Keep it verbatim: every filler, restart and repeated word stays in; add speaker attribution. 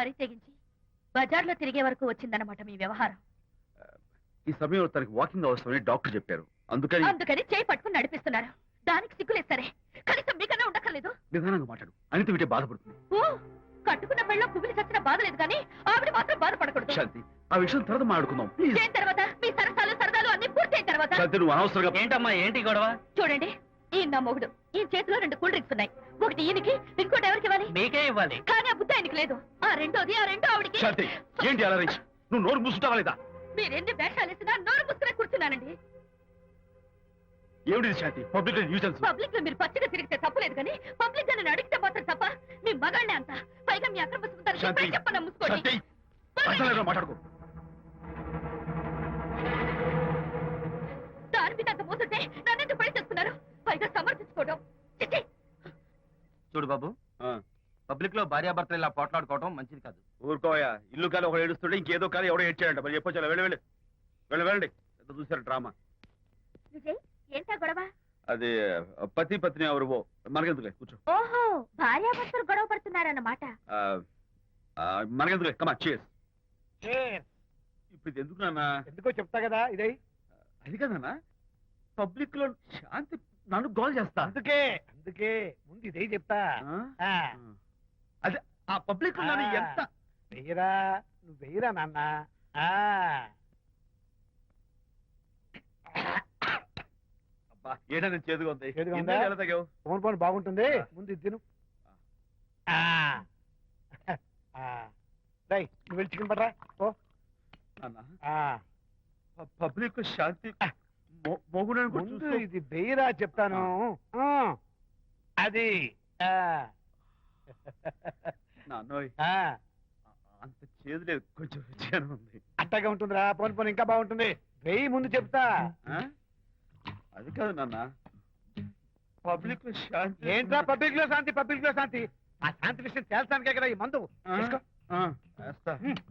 Speaker 1: బరి తెగించి బజార్లో తిరిగే వరకు వచ్చిందన్నమాట మీ వ్యవహారం.
Speaker 2: ఈ సమయంలో తనకి వాకింగ్ అవసరమని డాక్టర్ చెప్పారు. అందుకని
Speaker 1: అందుకని చేయి పట్టుకుని నడిపిస్తున్నారు. దానికి సిగ్గులేదు సరే, కనీసం మీకన్నా ఉండక్కర్లేదు.
Speaker 2: నిదానంగా మాట్లాడు, అనిత వింటే బాధపడుతుంది.
Speaker 1: ఓ కట్టుకున్న పెళ్ళలో కుమిలి చచ్చిన బాధ లేదు కానీ ఆవిడ మాత్రం బాధపడకూడదు.
Speaker 2: శాంతి, ఆ విషయం తర్వాత మాట్లాడుకుందాం ప్లీజ్.
Speaker 1: చేయిన తర్వాత మీ సరసాలు సరదాలు అన్ని పూర్తయిన తర్వాత.
Speaker 2: శాంతి, నువ్వు అనవసరంగా.
Speaker 3: ఏంటమ్మా ఏంటి గొడవ?
Speaker 1: చూడండి, ఈయన నా మొగుడు. ఈ చేతిలో రెండు కూల్ డ్రింక్స్ ఉన్నాయి. ఒకటి ఈయనకి, ఇంకోటి ఎవరికి ఇవ్వాలి?
Speaker 3: మీకే ఇవ్వాలి.
Speaker 1: కానీ ఆ బుద్ధి ఆయనకి లేదు. ఆ రెండోది ఆ రెండో ఆవిడికి.
Speaker 2: శాంతి, ఏంటి అలా రేయ్? నువ్వు నోరు మూసుకుంటావా లేదా?
Speaker 1: మీరెన్ని వేషాలు వేసినా నోరు పుస్తకం కూర్చున్నానండి.
Speaker 2: ఏమిటి శాంతి? Public nuisance.
Speaker 1: పబ్లిక్ లో మీరు పచ్చిగా తిరిగితే తప్పలేదు కానీ పబ్లిక్ గా నేను అడిగితే మాత్రం తప్ప. మీ మగాళ్ళే అంత, పైగా మీ అక్రమ
Speaker 2: శాంతి,
Speaker 1: చెప్పన ముసుకోండి.
Speaker 2: శాంతి, అర్థంలేదురా, మాట్లాడుకో.
Speaker 1: దాని మీద అంత మోసుంటే నన్నెందుకు పడి చేస్తున్నారు? పైగా సమర్థించుకోవడం. చిచ్చి.
Speaker 3: చూడు బాబు, పబ్లిక్ లో భార్యాభర్తలు ఇలా పోట్లాడుకోవడం మంచిది కాదు.
Speaker 2: ఊరుకోయా, ఇల్లు కాదు ఒకడు ఏడుస్తుంటే ఇంకేదో కాదు ఎవడో ఏడ్చాడంట. మరి చెప్పొచ్చు, వెళ్ళి వెళ్ళి వెళ్ళి వెళ్ళండి. ఎంత చూసారు డ్రామా.
Speaker 1: విజయ్, ఏంటా గొడవ?
Speaker 2: అది పతి పత్ని ఎవరు మనకెందుకులే, కూర్చో.
Speaker 1: ఓహో, భార్యాభర్తలు గొడవ పడుతున్నారన్నమాట.
Speaker 2: ఆ, ఆ, మనకెందుకులే, కమా చేస్. ఇప్పుడు ఇది ఎందుకు నాన్న?
Speaker 4: ఎందుకో చెప్తా కదా ఇదే.
Speaker 2: అది కదన్నా, పబ్లిక్ లో శాంతి నన్ను గోల్ చేస్తా.
Speaker 4: అందుకే అందుకే ముందు ఇదే చెప్తా.
Speaker 2: ఆ?
Speaker 4: ఆ,
Speaker 2: అదే ఆ పబ్లిక్ లో నన్ను ఎంత
Speaker 4: వెయ్యరా, నువ్వు వెయ్యరా నాన్న. ఆ,
Speaker 2: అబ్బా, ఏడని చేదుగా ఉంది.
Speaker 4: చేదుగా ఉందా?
Speaker 2: ఇందాక ఎలా తాగావు?
Speaker 4: ఫోన్ ఫోన్ బాగుంటుంది, ముందు ఇది తిను. ఆ, ఆ, రేయ్, నువ్వు వెళ్ళి చికెన్ పడరా ఓ.
Speaker 2: నాన్న,
Speaker 4: ఆ,
Speaker 2: పబ్లిక్ లో శాంతి మొగుడని కూడా
Speaker 4: ముందు
Speaker 2: చూస్తూ-
Speaker 4: ఇది వెయ్యరా చెప్తాను. ఆ, అది ఆ,
Speaker 2: నాన్నోయ్,
Speaker 4: ఆ,
Speaker 2: అంత చేదు లేదు, కొంచెం రుచిగానే ఉంది.
Speaker 4: అట్టగా ఉంటుందిరా. పోను పోను ఇంకా బాగుంటుంది. వెయ్యి ముందు చెప్తా.
Speaker 2: ఆ? అది కాదు నాన్న, పబ్లిక్ లో శాంతి
Speaker 4: ఏంట్రా పబ్లిక్ లో శాంతి, పబ్లిక్ లో శాంతి? ఆ శాంతి విషయం తేల్చడానికే కదా ఈ మందు.
Speaker 2: ఆ?
Speaker 4: తీసుకో.
Speaker 2: ఆ, వేస్తా.